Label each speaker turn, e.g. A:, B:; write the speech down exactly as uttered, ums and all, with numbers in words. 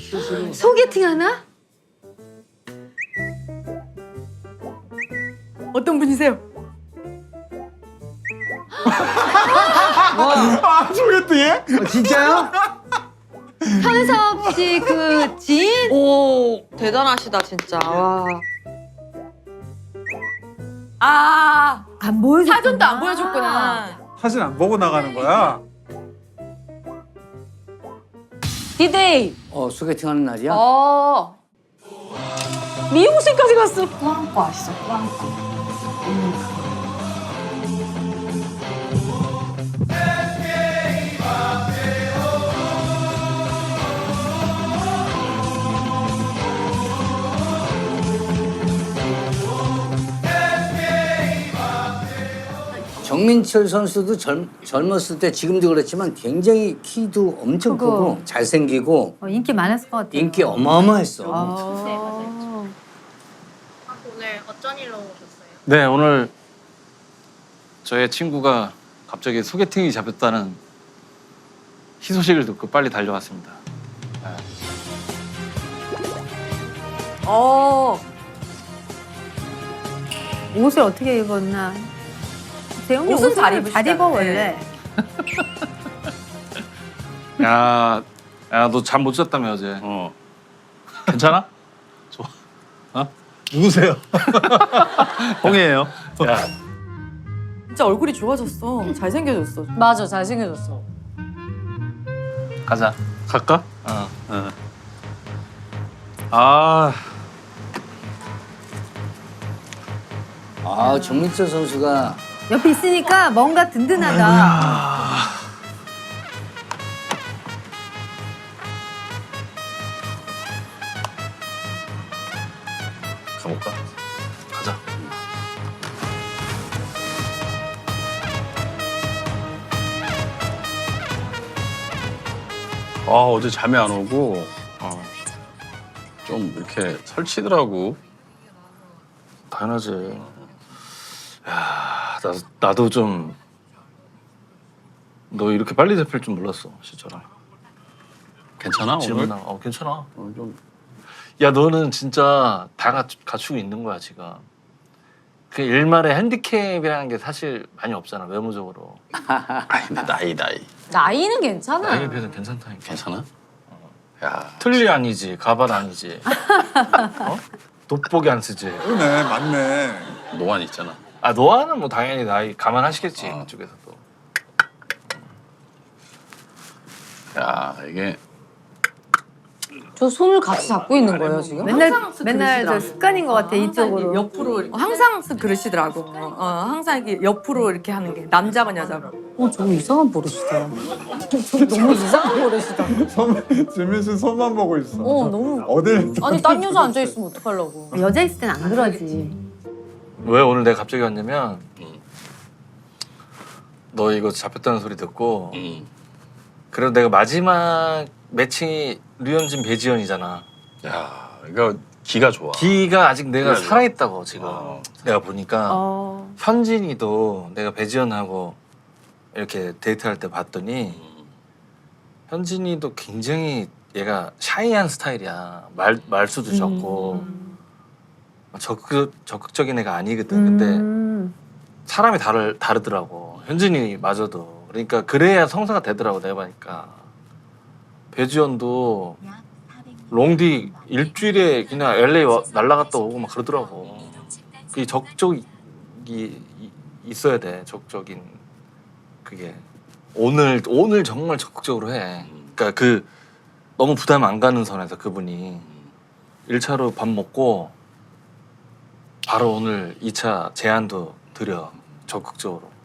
A: 소개팅 하나? 어떤 분이세요?
B: 아, 소개팅해?
C: 어, 진짜요?
A: 현섭 씨 그 지인?
D: 오 대단하시다 진짜. 와.
A: 아
E: 안 보여줬구나.
A: 사전도 안 보여줬구나.
B: 사진 안 보고 나가는 거야?
A: 디데이.
C: 어, 소개팅하는 날이야?
A: 어. 미용실까지 갔어.
E: 꾸안꾸 아시죠? 꾸안꾸.
C: 정민철 선수도 젊, 젊었을 때 지금도 그렇지만 굉장히 키도 엄청
E: 크고.
C: 크고 잘생기고
E: 어, 인기 많았을 것 같아요.
C: 인기 어마어마했어.
E: 아.
A: 네 맞아요.
D: 오늘 어쩐 일로 오셨어요?
F: 네, 오늘 저의 친구가 갑자기 소개팅이 잡혔다는 희소식을 듣고 빨리 달려왔습니다.
A: 어.
E: 옷을 어떻게 입었나? 재영이
A: 옷은
E: 옷을
A: 잘
E: 잘,
A: 입으시잖아요.
E: 입어 원래.
F: 야, 야, 너 잠 못 잤다며 어제.
G: 어. 괜찮아? 좋아. 어? 누구세요? 홍이에요.
F: 야,
D: 진짜 얼굴이 좋아졌어. 잘생겨졌어.
A: 맞아 잘생겨졌어.
F: 가자.
G: 갈까?
F: 어.
G: 어. 아,
C: 아, 정민철 선수가
E: 옆에 있으니까 뭔가 든든하다.
G: 가볼까? 가자. 아, 어제 잠이 안 오고 어, 좀 이렇게 설치더라고.
F: 당연하지. 야, 나, 나도 좀 너 이렇게 빨리 잡힐 줄 몰랐어, 진짜로.
G: 괜찮아
F: 질문
G: 오늘?
F: 나. 어, 괜찮아.
G: 오늘 좀
F: 야, 너는 진짜 다 갖, 갖추고 있는 거야, 지금. 그 일말의 핸디캡이라는 게 사실 많이 없잖아, 외모적으로.
G: 아이, 근데 나이 나이
A: 나이는 괜찮아.
F: 나이에 비해서 괜찮다니까.
G: 괜찮아? 야,
F: 틀리 아니지, 가발 아니지. 어? 돋보기 안 쓰지.
B: 그러네, 맞네.
G: 노안 있잖아.
F: 아, 노아는 뭐 당연히 나이 감안하시겠지,
G: 어.
F: 그쪽에서도.
G: 야, 이게
A: 저 손을 같이 잡고 있는 거예요 지금?
E: 맨날
D: 항상 쓰-
E: 맨날 저
D: 그러시더라고.
E: 습관인 것 같아
D: 항상
E: 이쪽으로.
D: 이렇게 옆으로 이렇게. 항상 쓰- 그러시더라고. 어, 항상 이렇게 옆으로 이렇게 하는 게 남자건 여자건.
A: 어 저거 이상한 버릇이다. 저 너무 이상한 버릇이다.
B: 손, 지민 씨 손만 보고 있어.
A: 어 너무.
B: 어딜?
A: 아니 딴 여자 앉아 있으면 어떡하려고.
E: 여자 있을 땐 안 그러지.
F: 왜 오늘 내가 갑자기 왔냐면 너 이거 잡혔다는 소리 듣고
G: 음.
F: 그래도 내가 마지막 매칭이 류현진 배지현이잖아.
G: 야, 이거 기가 좋아.
F: 기가 아직 내가
G: 그래.
F: 살아있다고 지금
G: 어.
F: 내가 보니까
E: 어.
F: 현진이도 내가 배지현하고 이렇게 데이트할 때 봤더니 현진이도 굉장히 얘가 샤이한 스타일이야. 말 말수도 적고 적극 적극적인 애가 아니거든. 근데
E: 음.
F: 사람이 다르 다르더라고. 현진이마저도. 그러니까 그래야 성사가 되더라고 내가 보니까. 배지현도 롱디 일주일에 그냥 엘에이 와- 날라갔다 오고 막 그러더라고. 그 적적이 이- 있어야 돼. 적적인 그게 오늘 오늘 정말 적극적으로 해. 그러니까 그 너무 부담 안 가는 선에서 그분이 일 차로 밥 먹고 바로 오늘 이 차 제안도 드려 적극적으로.